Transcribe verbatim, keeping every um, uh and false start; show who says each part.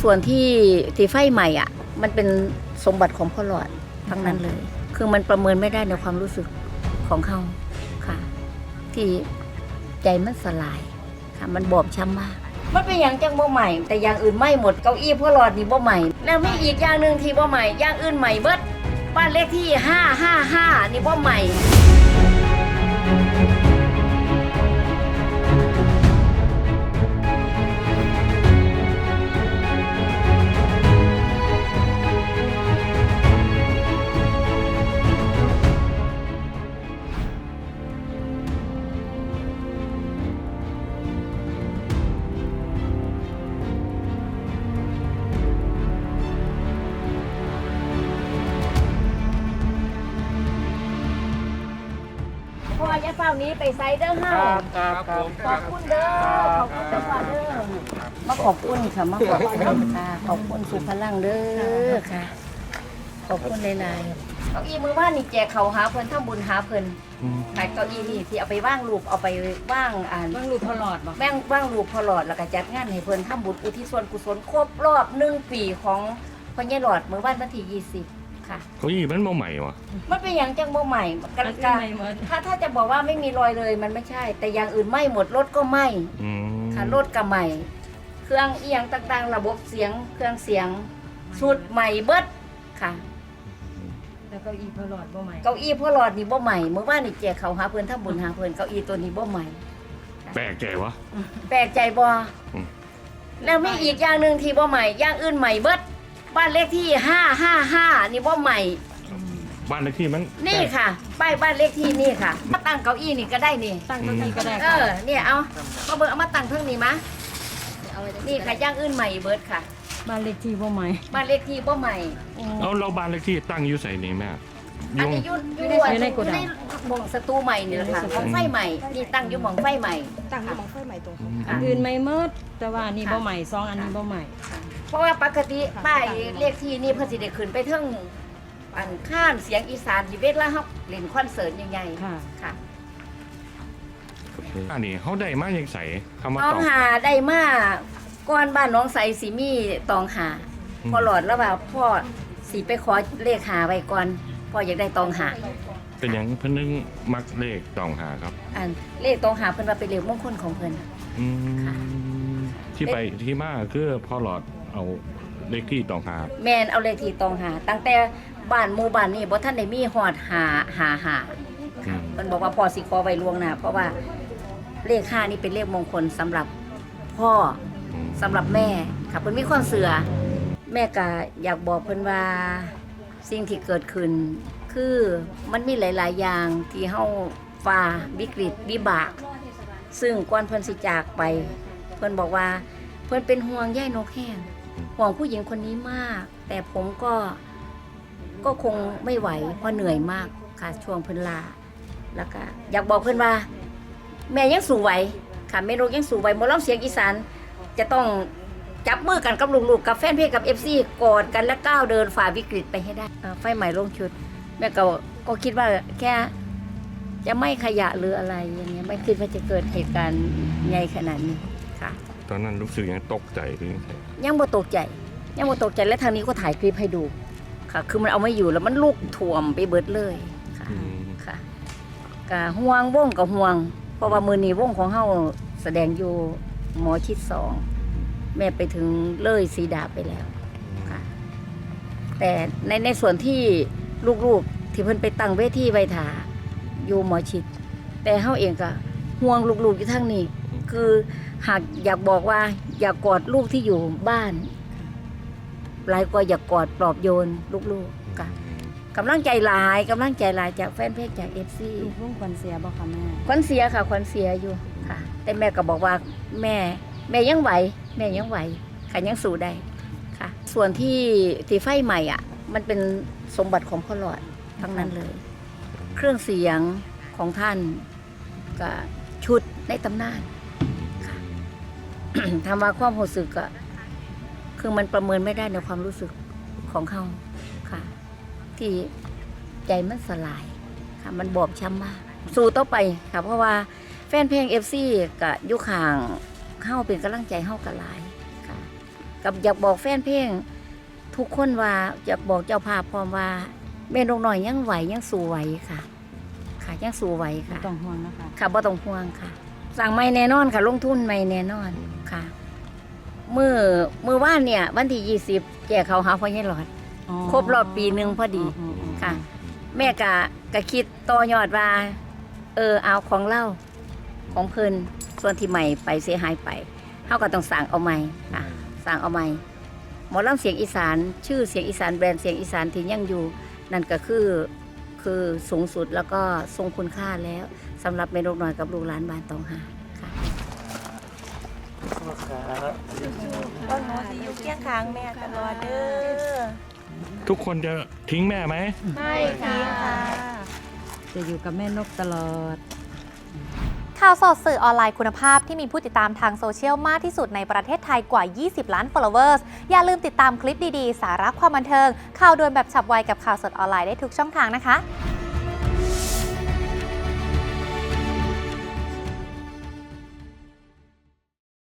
Speaker 1: ส่วนที่ที่ไฟใหม่อ่ะมันเป็นสมบัติของพ่อหลอดทั้งนั้นเลย คือมันประเมินไม่ได้ในความรู้สึกของเขาค่ะ ที่ใจมันสลายค่ะมันบอบช้ำมากมันเป็นอย่างจังบ่ใหม่แต่อย่างอื่นไม่หมดเก้าอี้พ่อหลอดนี่บ่ใหม่แล้วมีอีกอย่างหนึ่งที่บ่ใหม่อย่างอื่นใหม่เบิดบ้านเลขที่ห้าห้าห้านี่บ่ใหม่พ่อจะเฝ้านี้ไปไซเดอร์เฮา
Speaker 2: ครับครับผม
Speaker 1: ขอบคุณเด้อขอบคุณเด้อพ่อเด้อมาขอบคุณค่ะมาขอบคุณค่ะขอบคุณสุพลังเด้อค่ะขอบคุณหลายๆเก้าอี้มือว่านนี่แจกเขาหาเพิ่นทำบุญหาเพิ่นขายเก้าอี้นี่ที่เอาไปว่างรูปเอาไปว่างอ่าน
Speaker 3: ว่างรูปพอหลอดบ่
Speaker 1: แม่งว่างรูปพอหลอดแล้วก็จัดงานให้เพิ่นทำบุญอุทิศส่วนกุศลครบรอบหนึ่งปีของพ่อใหญ่หลอดมือว่านวันที่ยี่สิบค่ะ
Speaker 2: เขายี่มันบ่ใหม่วะ
Speaker 1: มันเป็นอย่างจังบ่ใหม่กัน
Speaker 3: อัน
Speaker 1: กา
Speaker 3: ใหม่หมด
Speaker 1: ถ้าถ้าจะบอกว่าไม่มีรอยเลยมันไม่ใช่ แต่อย่างอื่นไหม้หมดรถก็ไหม้
Speaker 2: อืม
Speaker 1: ค่ะรถก็ไหม้เครื่องเอียงต่างๆ ระบบเสียงเครื่องเสียงชุดใหม่เบิดค่ะ
Speaker 3: แล้วเก็อีพอหลอดบ่ใหม่
Speaker 1: เก้าอี้พ่อหลอดนี่บ่ใหม่เมื่อวานนี่แจกเขาหาเพิ่นทำบุญหาเพิ่นเก้าอี้ตัวนี้บ่ใหม่
Speaker 2: แปลกใจวะ
Speaker 1: แปลกใจบ่
Speaker 2: อืม
Speaker 1: แล้วมีอีกอย่างหนึ่งที่บ่ใหม่อย่างอื่นใหม่เบิดบ้านเลขที่ห้าห้าห้านี่บ่ใหม่
Speaker 2: บ้านเลขที่มัน
Speaker 1: นี่ค่ะป้ายบ้านเลขที่นี่ค่ะมาตั้งเก้าอี้นี่ก็ได้นี่
Speaker 3: ตั้งเก้าอี้ก็ได้
Speaker 1: เอ
Speaker 3: ค่ะ
Speaker 1: อเนี่ยเอาเอาเบอร์เอามาตั้งเพิ่งนี่มะนี่ค่ะย่างอื่นใหม่เบิร์ดค่ะ
Speaker 3: บ้านเลขที่บ่ใหม่
Speaker 1: บ้านเลขที่บ่ใหม่
Speaker 2: เอาเราบ้านเลขที่ตั้งอยู่ใส่นี่แม่
Speaker 1: อัน
Speaker 2: ยุง
Speaker 1: นี้ยุ่น
Speaker 3: อยู่
Speaker 1: ยุ่
Speaker 3: ใน
Speaker 1: น
Speaker 3: ในโกดัง
Speaker 1: ในหมองสตูใหม่นี่แหละค่ะหมองไฟใหม่นี่ตั้งอยู่หมองไฟใหม่
Speaker 4: ตั้งอยู่หมองไฟใหม่ตรงเขา
Speaker 3: อันอื่นไม่หมดแต่ว่าอันนี้บ่ใหม่สองอันนี้บ่ใหม่
Speaker 1: เพราะว่าปกติป้ายเลขที่นี่เพิ่นสิได้ขึ้นไปเทิงอันข้ามเสียงอีสานที่เวทละเฮาเล่นคอนเสิร์ตใหญ่ๆ
Speaker 3: ค่ะ
Speaker 1: ค่ะ
Speaker 2: อันนี้เขาได้มายังใส่คำว่า
Speaker 1: ตอง
Speaker 2: ตอง
Speaker 1: หาได้มาก่อนบ้านน้องใสสิมีตองหา
Speaker 2: อืม
Speaker 1: พอหลอดแล้วว่าพ่อสิไปขอเลขหาไว้ก่อนพ่ออยากได้ตองหา
Speaker 2: เป็นหยังเพิ่นนึงมักเลขตองหาครับ
Speaker 1: อันเลขตองหาเพิ่นว่าเป็นเลขมงคลของเพิ่น
Speaker 2: อืม
Speaker 1: ค่ะ
Speaker 2: ที่ไปที่มาคือพ่อหลอดเอาเลขที่ตองหา
Speaker 1: แม่นเอาเลขที่ตองหา ตั้งแต่บ้านหมู่บ้านนี้บ่ทันได้มีฮอดหาหาหา
Speaker 2: อืม
Speaker 1: เพิ่นบอกว่าพ่อสิขอไว้ล่วงหน้าเพราะว่าเลขห้านี่เป็นเลขมงคลสำหรับพ่อ
Speaker 2: อืม
Speaker 1: สำหรับแม่ค่ะเพิ่นมีความเสื่อแม่ก็อยากบอกเพิ่นว่าสิ่งที่เกิดขึ้น คือมันมีหลาย ๆ อย่างที่เฮาฝ่าวิกฤตวิบาก ซึ่งก่อนเพิ่นสิจากไป เพิ่นบอกว่าเพิ่นเป็นห่วงย่ายนกแห้งห่วงผู้หญิงคนนี้มาก แต่ผมก็ก็คงไม่ไหวเพราะเหนื่อยมากค่ะช่วงเพิ่นลาแล้วก็อยากบอกเพิ่นว่า แม่ยังสู้ไหวค่ะแม่นกยังสู้ไหวหมอลำเสียงอีสานจะต้องจับมือกันกับลูกๆกับแฟนเพลงกับ เอฟ ซี กอดกันและก้าวเดินฝ่าวิกฤตไปให้ได้เอ่อไฟใหม่ลงชุด แม่ก็ก็คิดว่าแค่จะไม่ขยะหรืออะไรอย่างเงี้ยไม่คิดว่าจะเกิดเหตุการณ์ใหญ่ขนาดนี้ค่ะ
Speaker 2: ตอนนั้นรู้สึกยังตกใจหรือยังไง
Speaker 1: ยังบ่ตกใจ ยังบ่ตกใจและทางนี้ก็ถ่ายคลิปให้ดูค่ะ คือมันเอาไม่อยู่แล้วมันลุกท่วมไปเบิดเลยค่ะ
Speaker 2: อืม
Speaker 1: ค่ะกะห่วงวงกับห่วง เพราะว่ามือนี้วงของเฮาแสดงอยู่หมอชิดสองแม่ไปถึงเลยสีดาไปแล้วค่ะ แต่ในในส่วนที่ลูกๆที่เพิ่นไปตั้งเวทีไว้ถาอยู่หมอชิด แต่เฮาเองก็ห่วงลูกๆอยู่ทั้งนี้ คือหากอยากบอกว่า อยากกอดลูกที่อยู่บ้านหลายกว่าอยากกอดปลอบโยนลูกๆค่ะกำลังใจหลายกำลังใจหลายจากแฟนเพจจากเอฟซี
Speaker 3: ลูกวงควันเสียบ่ค่ะแม่
Speaker 1: ควันเสียค่ะควันเสียอยู่ค่ะ แต่แม่ก็บอกว่าแม่ แม่ยังไหวแม่ยังไหวค่ะยังสู้ได้ค่ะ ส่วนที่ที่ไฟใหม่อ่ะ มันเป็นสมบัติของพ่อหลอดทั้งนั้นเลย เครื่องเสียงของท่านกับชุดในตำนานค่ะ ทำมาความรู้สึกก็คือมันประเมินไม่ได้ในความรู้สึกของเขาค่ะ ที่ใจมันสลายค่ะ มันบอบช้ำมาก สู้ต่อไปค่ะ เพราะว่าแฟนเพลง เอฟ ซี กับยุคห่างเข้าเป็นกำลังใจเข้ากับหลายค่ะกับอยากบอกแฟนเพลงทุกคนว่าอยากบอกเจ้าภาพพร้อมว่าแม่นกน้อยยังไหวยังสู้ไหวค่ะ ค่ะยังสู้ไหว
Speaker 3: บ่
Speaker 1: ค่ะ
Speaker 3: ต้องห่วงนะคะ
Speaker 1: ค่ะบ่ต้องห่วงค่ะ สั่งไม่แน่นอนค่ะ ลงทุนไม่แน่นอนค่ะมือมือว่านเนี่ยวันที่ยี่สิบแจกเขาหาพ่อใหญ่หลอด
Speaker 3: อ๋อ
Speaker 1: ครบรอบปีหนึ่งพอดี
Speaker 3: อ๋ออ๋อ
Speaker 1: ค่ะ แม่กะกะคิดต่อยอดว่า เออเอาของเล่าของเพิ่นส่วนที่ใหม่ไปเสียหายไปเฮาก็ต้องสั่งเอาใหม่ค่ะสั่งเอาใหม่หมอลำเสียงอีสาน ชื่อเสียงอีสานแบรนด์เสียงอีสานที่ยังอยู่ นั่นก็คือคือสูงสุดแล้วก็ทรงคุณค่าแล้วสำหรับแม่นกน้อยกับลูกหลานบ้านตองหาค่ะ
Speaker 4: ก็หนูสิอยู่เคียงข้างแม่ตลอดเด้อ
Speaker 2: ทุกคนจะทิ้งแม่ไหม
Speaker 4: ไม่ค่ะ
Speaker 3: จะอยู่กับแม่นกตลอด
Speaker 5: ข่าวสดสื่อออนไลน์คุณภาพที่มีผู้ติดตามทางโซเชียลมากที่สุดในประเทศไทยกว่า ยี่สิบ ล้าน followers อย่าลืมติดตามคลิปดี ๆ สาระความบันเทิง ข่าวด่วนแบบฉับไวกับข่าวสดออนไลน์ได้ทุกช่องทางนะคะ